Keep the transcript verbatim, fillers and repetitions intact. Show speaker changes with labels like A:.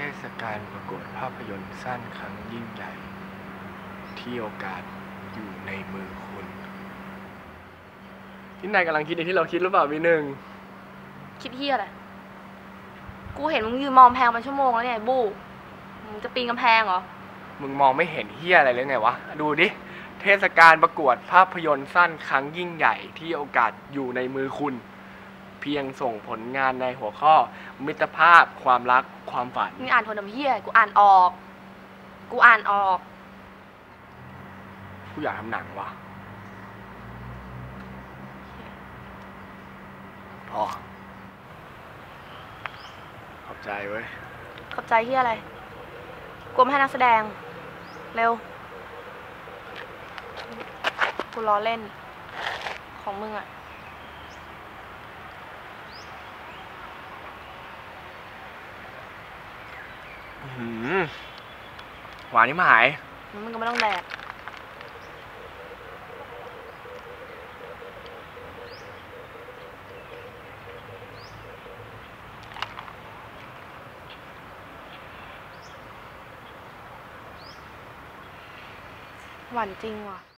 A: ศกาลประกวดภาพยนตร์สั้นครั้งยิ่งใหญ่ ที่โอกาสอยู่ในมือคุณที่นายกำลังคิดในที่เราคิดหรือเปล่าพี่หนึ่ง
B: คิดเฮียอะไรกูเห็นมึงยืนมองแพงเป็นชั่วโมงแล้วเนี่ยบู้มึงจะปีนกำแพงเหรอ
A: มึงมองไม่เห็นเฮียอะไรเลยไงวะดูดิเทศกาลประกวดภาพยนตร์สั้นครั้งยิ่งใหญ่ที่โอกาสอยู่ในมือคุณเพียงส่งผลงานในหัวข้อมิตรภาพความรักความฝัน
B: มึงอ่านทนน้ำเฮียกูอ่านออก กูอ่านออก
A: กูอยากทำหนังว่ะพอขอบใจเว้ย
B: ขอบใจเฮียอะไรกูไม่ให้นักแสดงเร็วกูล้อเล่นของมึงอะ
A: หวานนี่มาหาย
B: มึงก็ไม่ต้องแดกหวานจริงว่ะ